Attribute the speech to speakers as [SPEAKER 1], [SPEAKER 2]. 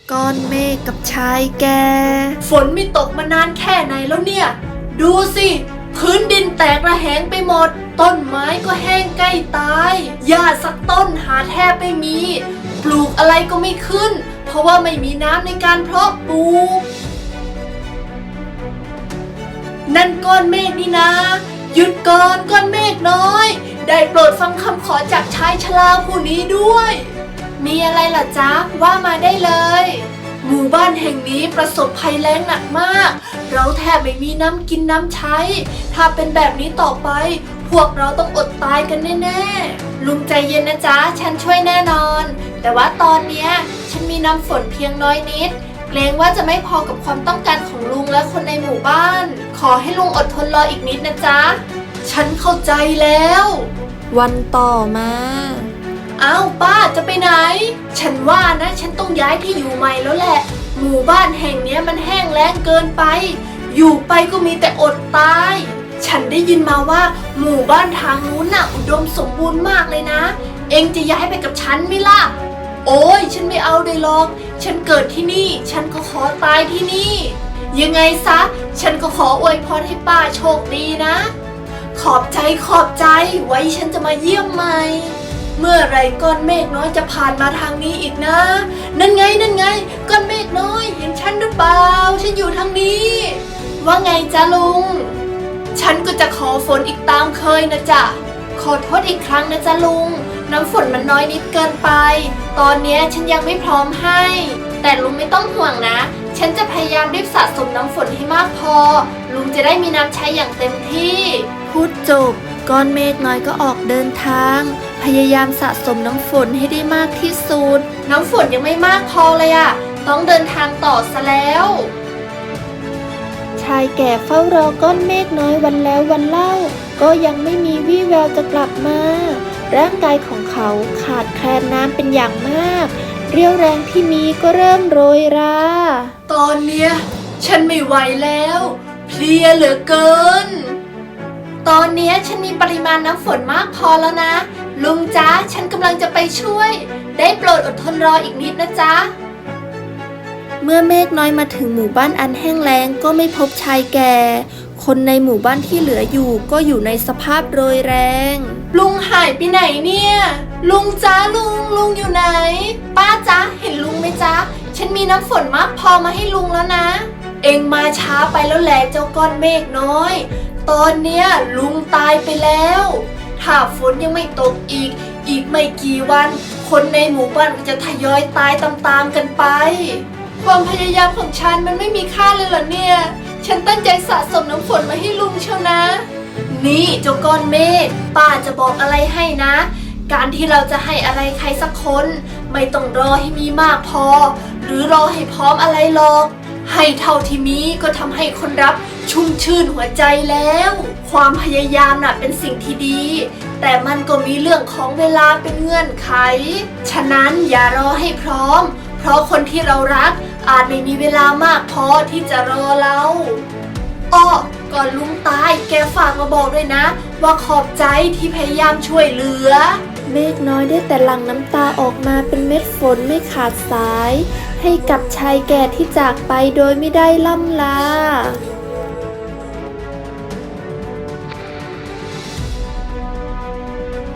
[SPEAKER 1] ก้อนเมฆกับชายแก่
[SPEAKER 2] ฝนไม่ตกมานานแค่ไหนแล้วเนี่ย ดูสิพื้นดินแตกระแหงไปหมดต้นไม้ก็แห้งใกล้ตายหญ้าสักต้นหาแทบไม่มีปลูกอะไรก็ไม่ขึ้นเพราะว่าไม่มีน้ำในการเพาะปลูกนั่นก้อนเมฆนี่นะหยุดก่อนก้อนเมฆน้อยได้โปรดฟังคำขอจากชายชราผู้นี้ด้วยมีอะไรล่ะจ๊ะว่ามาได้เลยหมู่บ้านแห่งนี้ประสบภัยแล้งหนักมากเราแทบไม่มีน้ำกินน้ำใช้ถ้าเป็นแบบนี้ต่อไปพวกเราต้องอดตายกันแน่ๆลุงใจเย็นนะจ๊ะฉันช่วยแน่นอนแต่ว่าตอนเนี้ยฉันมีน้ำฝนเพียงน้อยนิดเกรงว่าจะไม่พอกับความต้องการของลุงและคนในหมู่บ้านขอให้ลุงอดทนรออีกนิดนะจ๊ะฉันเข้าใจแล้ว
[SPEAKER 1] วันต่อมา
[SPEAKER 2] อ้าวป้าจะไปไหนฉันว่านะฉันต้องย้ายที่อยู่ใหม่แล้วแหละหมู่บ้านแห่งนี้มันแห้งแล้งเกินไปอยู่ไปก็มีแต่อดตายฉันได้ยินมาว่าหมู่บ้านทางนู้นน่ะอุดมสมบูรณ์มากเลยนะเอ็งจะย้ายไปกับฉันไหมล่ะโอ้ยฉันไม่เอาเลยหรอกฉันเกิดที่นี่ฉันก็ขอตายที่นี่ยังไงซะฉันก็ขออวยพรให้ป้าโชคดีนะขอบใจไว้ฉันจะมาเยี่ยมใหม่เมื่อไรก้อนเมฆน้อยจะผ่านมาทางนี้อีกนะนั่นไงก้อนเมฆน้อยเห็นฉันหรือเปล่าฉันอยู่ทางนี้ว่าไงจ๊ะลุงฉันก็จะขอฝนอีกตามเคยนะจ๊ะขอโทษอีกครั้งนะจ๊ะลุงน้ำฝนมันน้อยนิดเกินไปตอนนี้ฉันยังไม่พร้อมให้แต่ลุงไม่ต้องห่วงนะฉันจะพยายามรีบสะสมน้ำฝนให้มากพอลุงจะได้มีน้ำใช้อย่างเต็มที่
[SPEAKER 1] พูดจบก้อนเมฆน้อยก็ออกเดินทางพยายามสะสมน้ำฝนให้ได้มากที่สุด
[SPEAKER 2] น้ำฝนยังไม่มากพอเลยอะต้องเดินทางต่อซะแล้ว
[SPEAKER 1] ชายแก่เฝ้ารอก้อนเมฆน้อยวันแล้ววันเล่าก็ยังไม่มีวี่แววจะกลับมาร่างกายของเขาขาดแคลนน้ำเป็นอย่างมากเรี่ยวแรงที่มีก็เริ่มโรยรา
[SPEAKER 2] ตอนเนี้ยฉันไม่ไหวแล้วเพลียเหลือเกินตอนนี้ฉันมีปริมาณน้ำฝนมากพอแล้วนะลุงจ๊ะฉันกำลังจะไปช่วยได้โปรดอดทนรออีกนิดนะจ๊ะ
[SPEAKER 1] เมื่อเมฆน้อยมาถึงหมู่บ้านอันแห้งแล้งก็ไม่พบชายแก่คนในหมู่บ้านที่เหลืออยู่ก็อยู่ในสภาพโรยแรง
[SPEAKER 2] ลุงหายไปไหนเนี่ยลุงจ๊ะลุงอยู่ไหนป้าจ๊ะเห็นลุงไหมจ๊ะฉันมีน้ำฝนมากพอมาให้ลุงแล้วนะเอ็งมาช้าไปแล้วแหละเจ้าก้อนเมฆน้อยตอนเนี้ยลุงตายไปแล้วถ้าฝนยังไม่ตกอีกไม่กี่วันคนในหมู่บ้านก็จะทยอยตายตามๆกันไปความพยายามของฉันมันไม่มีค่าเลยเหรอเนี่ยฉันตั้งใจสะสมน้ำฝนมาให้ลุงเชียวนะนี่เจ้าก้อนเมฆป้าจะบอกอะไรให้นะการที่เราจะให้อะไรใครสักคนไม่ต้องรอให้มีมากพอหรือรอให้พร้อมอะไรหรอกให้เท่าที่มีก็ทำให้คนรับชุ่มชื่นหัวใจแล้วความพยายามน่ะเป็นสิ่งที่ดีแต่มันก็มีเรื่องของเวลาเป็นเงื่อนไขฉะนั้นอย่ารอให้พร้อมเพราะคนที่เรารักอาจไม่มีเวลามากพอที่จะรอเราก่อนลุงตายแกฝากมาบอกด้วยนะว่าขอบใจที่พยายามช่วยเหลือ
[SPEAKER 1] เมฆน้อยได้แต่หลั่งน้ำตาออกมาเป็นเม็ดฝนไม่ขาดสายให้กับชายแก่ที่จากไปโดยไม่ได้ล่ำลา